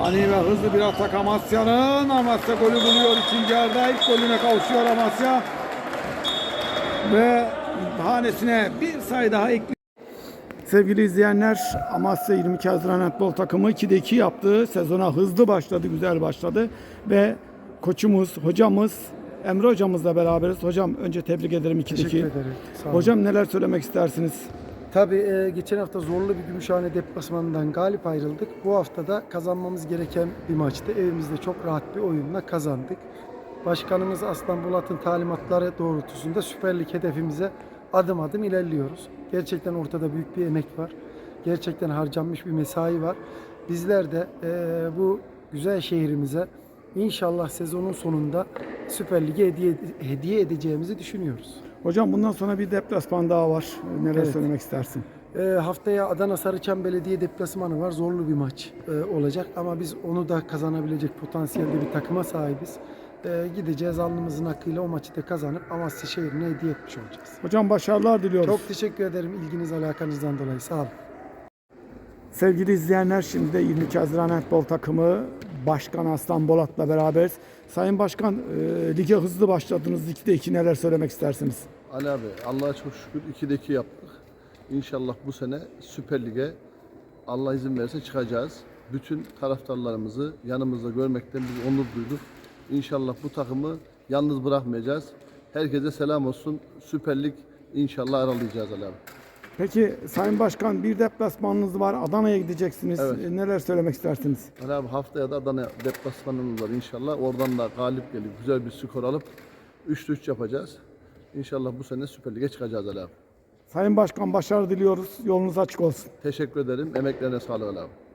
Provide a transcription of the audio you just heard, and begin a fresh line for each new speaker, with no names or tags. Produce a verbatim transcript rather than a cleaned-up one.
Ani ve hızlı bir atak Amasya'nın. Amasya golü buluyor ikinci yarıda. İlk golüne kavuşuyor Amasya. Ve hanesine bir sayı daha ekliyor. Sevgili izleyenler, Amasya yirmi iki Haziran Handbol takımı ikide iki yaptı. Sezona hızlı başladı, güzel başladı. Ve koçumuz, hocamız, Emre hocamızla beraberiz. Hocam önce tebrik ederim ikide iki.
Teşekkür ederim. Sağ olun.
Hocam neler söylemek istersiniz?
Tabii e, geçen hafta zorlu bir Gümüşhane deplasmanından galip ayrıldık. Bu hafta da kazanmamız gereken bir maçtı. Evimizde çok rahat bir oyunla kazandık. Başkanımız Aslan Bulat'ın talimatları doğrultusunda Süper Lig hedefimize adım adım ilerliyoruz. Gerçekten ortada büyük bir emek var. Gerçekten harcanmış bir mesai var. Bizler de e, bu güzel şehrimize inşallah sezonun sonunda Süper Lig'e hediye, hediye edeceğimizi düşünüyoruz.
Hocam bundan sonra bir deplasman daha var. Neler
Evet.
söylemek istersin?
E, haftaya Adana Sarıçam Belediye deplasmanı var. Zorlu bir maç e, olacak ama biz onu da kazanabilecek potansiyelde bir takıma sahibiz. E, gideceğiz alnımızın hakkıyla o maçı da kazanıp Amasya şehrine hediye etmiş olacağız.
Hocam başarılar diliyoruz.
Çok teşekkür ederim ilginiz alakanızdan dolayı. Sağ olun.
Sevgili izleyenler, şimdi de yirmi iki Haziran Handbol takımı Başkan Aslan Bolat'la beraberiz. Sayın Başkan, e, lige hızlı başladınız. ikide iki neler söylemek istersiniz?
Ali abi Allah'a çok şükür ikide iki yaptık. İnşallah bu sene Süper Lig'e Allah izin verirse çıkacağız. Bütün taraftarlarımızı yanımızda görmekten biz onur duyduk. İnşallah bu takımı yalnız bırakmayacağız. Herkese selam olsun. Süper Lig inşallah aralayacağız Ali abi.
Peki Sayın Başkan, bir deplasmanınız var. Adana'ya gideceksiniz.
Evet.
E, neler söylemek istersiniz?
Ali abi haftaya da Adana deplasmanımız var inşallah. Oradan da galip gelip güzel bir skor alıp üçte üç yapacağız. İnşallah bu sene Süper Lig'e çıkacağız Ali abi.
Sayın Başkan, başarı diliyoruz. Yolunuz açık olsun.
Teşekkür ederim. Emeklerine sağlık Ali abi.